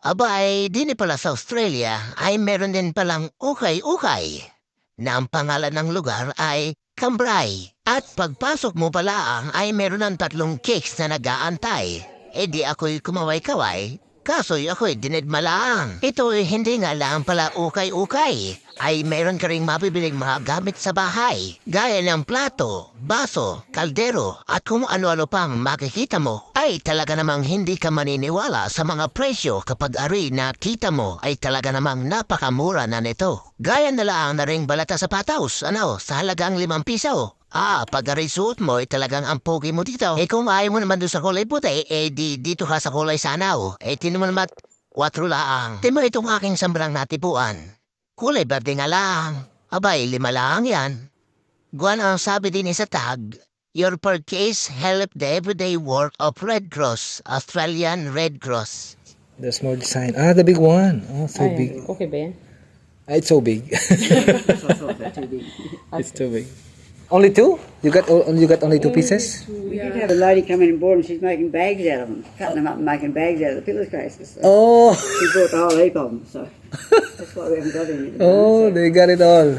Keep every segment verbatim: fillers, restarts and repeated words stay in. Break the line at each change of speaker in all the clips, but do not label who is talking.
Aba ay di pala sa Australia ay meron din palang ukay-ukay na ang pangalan ng lugar ay Cambrai. At pagpasok mo pala ay meron ng tatlong cakes na nag-aantay. E di ako'y kumaway-kaway, kaso'y ako'y dinidmalaang. Ito'y hindi nga lang pala ukay-ukay. Ay meron ka ring mabibiling mga gamit sa bahay, gaya ng plato, baso, kaldero, at kung ano-ano pang makikita mo, ay talaga namang hindi ka maniniwala sa mga presyo kapag ari na kita mo ay talaga namang napakamura na nito. Gaya na lang na ring balata sa pataws, ano, sa halagang limang piso. Ah, pag ari suot mo ay talagang ang pogi mo dito. Eh kung ayaw mo naman doon sa kulay puti, eh di dito ka sa kulay sanaw. Eh tino mo naman, kwatro laang. Timo itong aking sambrang natipuan. Kulay berde nga lang. Abay, lima lang yan. Guwan ang sabi din sa tag, your purchase help the everyday work of Red Cross, Australian Red Cross.
The small design. Ah, the big one. Oh, so
Ay,
big.
okay ba yan?
Ah, it's so big. It's too big. Only two? You got o- you got only two pieces?
We did have a lady come in and bought them. She's making bags out of them, cutting them up and making bags out of the pillowcases. So
Oh,
she bought the whole heap of them, so that's why we haven't got any. at the
oh,
moment,
they got it all.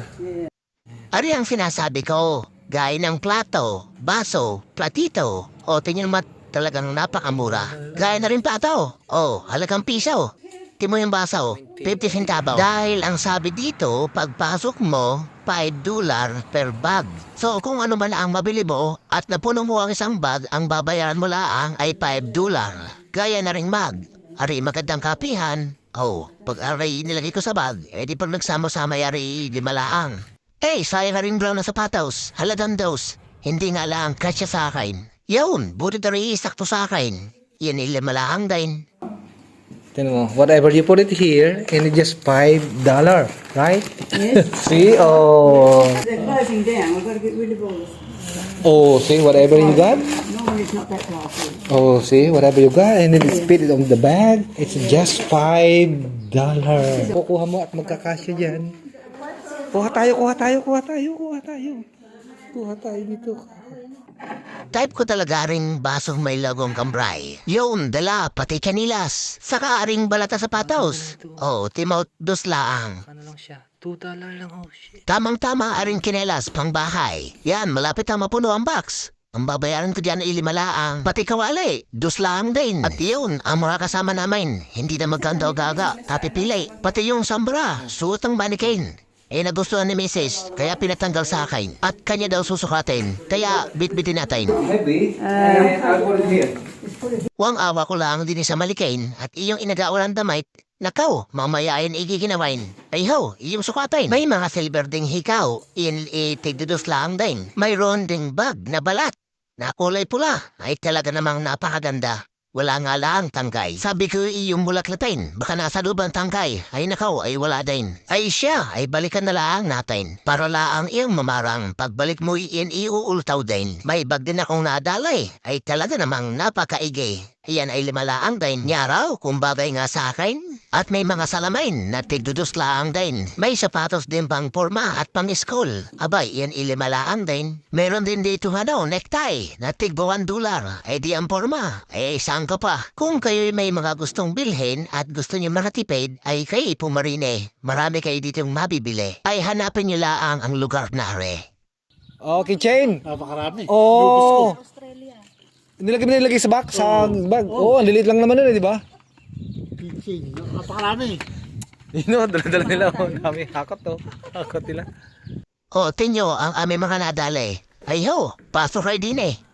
Ari ang sinasabi ko, gaya ng plato, baso, platito, o tingin mo talagang napakamura. Gaya na rin plato, o halagang piso. Timo yung baso, fifty centavo. Dahil ang sabi dito, pagpasok mo, five dollar per bag. So kung ano man ang mabili mo at napuno mo ang isang bag, ang babayaran mo laang ay five dollar. Gaya na ring mag. Ari magandang kapihan. Oh, pag aray nilagay ko sa bag, edi pag nagsama-sama ari lima laang. Eh, sayang na rin brown na sapatos. Halagang dos. Hindi nga lang kasya sa akin. Yun, buti na rin sakto sa akin. Yan ay lima laang din.
Tingnan mo, whatever you put it here, and it's just five dollar, right?
Yes.
See, oh,
They're closing down. We've got to get rid of all this.
oh, see, whatever you got.
Normally it's not that classy.
Oh, see, whatever you got, and then it's fit it on the bag. It's just five dollar. Kukuha mo at magkakasya dyan. Kuha tayo, kuha tayo, kuha tayo, kuha tayo. Kuha tayo dito.
Type ko talaga ring basong may lagong kambray. Yun, dala, pati kanilas. Saka aring balata sa patos. Oh, timaut dos laang.
Ano lang siya? two dollar lang, oh shit.
Tamang-tama aring kinelas pang bahay. Yan, malapit na mapuno ang box. Ang babayaran ko dyan ay lima laang. Pati kawali, dos laang din. At yun, ang mga kasama namin, hindi na magkanda o gaga, kapipili. Pati yung sambra, suot ng mannequin. Eh nagustuhan ni Missus kaya pinatanggal sa akin. At kanya daw susukatin, kaya bitbitin natin.
Heavy, and I'll put it here.
Wang awa ko lang din sa malikain at iyong inagaulan damit. Nakaw, mamaya ayan igiginawain. Ay ho, iyong sukatin. May mga silver ding hikaw, in itigdudos lang din. Mayroon ding bag na balat na kulay pula. Ay talaga namang napakaganda. Wala nga lang tangkay. Sabi ko iyong bulaklatin, baka nasa lubang tangkay. Ay nakaw, ay wala din. Ay siya, ay balikan na lang natin. Para laang iyong mamarang, pagbalik mo iyan iuultaw din. May bag din akong nadalay, ay talaga namang napakaigi. Iyan ay lima laang din. Nyaraw, kung bagay nga sa akin. At may mga salamin na tigdudos laang din. May sapatos din pang porma at pang school. Abay, iyan ilima laang din. Meron din dito ano, necktie na tigbuwan dolar. Ay di ang porma. Ay saan ka pa? Kung kayo'y may mga gustong bilhin at gusto niyo makatipid, ay kayo pumarine. Marami kayo ditong mabibili. Ay hanapin niyo laang ang lugar na re.
Oh, keychain.
Napakarami.
Oh. Nilagay mo nilagay sa bag, sa bag. Oh, ang lilit lang naman nun, eh, di ba?
Pitching. Napakarami.
Yun o, dala-dala nila. Oh, dami. Hakot to. Hakot nila.
O, tinyo ang aming mga nadali. Ay ho, pasok kayo din eh.